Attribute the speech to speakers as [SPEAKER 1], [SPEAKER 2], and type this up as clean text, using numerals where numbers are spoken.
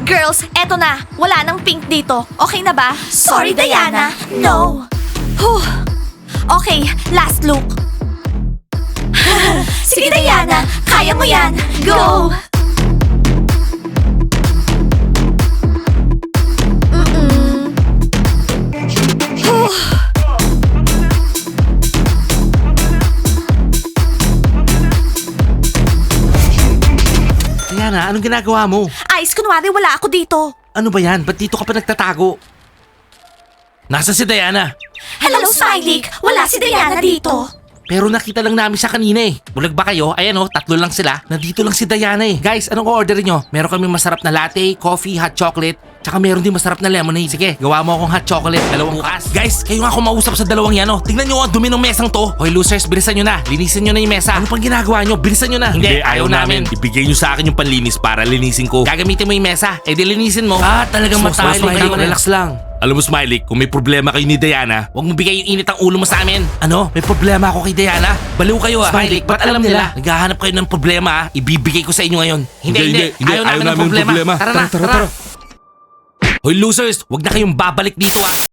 [SPEAKER 1] Girls, eto na. Wala nang pink dito. Okay na ba? Sorry, Diana. No. Whew. Okay, last look. Sige, Diana. Kaya mo yan. Go! Whew.
[SPEAKER 2] Diana, anong ginagawa mo?
[SPEAKER 1] Ice, kunwari wala ako dito.
[SPEAKER 2] Ano ba yan? Ba't dito ka pa nagtatago? Nasa si Diana?
[SPEAKER 1] Hello, Smiley. Wala si Diana dito.
[SPEAKER 2] Pero nakita lang namin siya kanina eh. Bulag ba kayo? Ayan oh, tatlo lang sila. Nandito lang si Diana eh. Guys, anong order nyo? Meron kami masarap na latte, coffee, hot chocolate. Tsaka meron din masarap na lemonade. Sige, gawa mo akong hot chocolate. Dalawang bukas. Guys, kayo nga kumausap sa dalawang yan oh. Tingnan nyo ang dumi ng mesang to. Hoy losers, bilisan nyo na. Linisin nyo na yung mesa. Ano pang ginagawa nyo? Bilisan nyo na.
[SPEAKER 3] Hindi, ayaw namin. Ibigay nyo sa akin yung panlinis para linisin ko.
[SPEAKER 2] Gagamitin mo yung mesa. Eh di linisin mo. Talagang matalo kayo. Relax lang.
[SPEAKER 3] Alam mo, Smiley, kung may problema kayo ni Diana,
[SPEAKER 2] Huwag mo bigay yung init ang ulo mo sa amin. Ano? May problema ako kay Diana? Baliw kayo ah.
[SPEAKER 3] Smiley,
[SPEAKER 2] ba't alam nila? Naghahanap kayo ng problema ah. Ibibigay ko sa inyo ngayon. Hindi. Ayaw namin ng problema. Tara na, tara.
[SPEAKER 3] Hoy losers, wag na kayong babalik dito ah.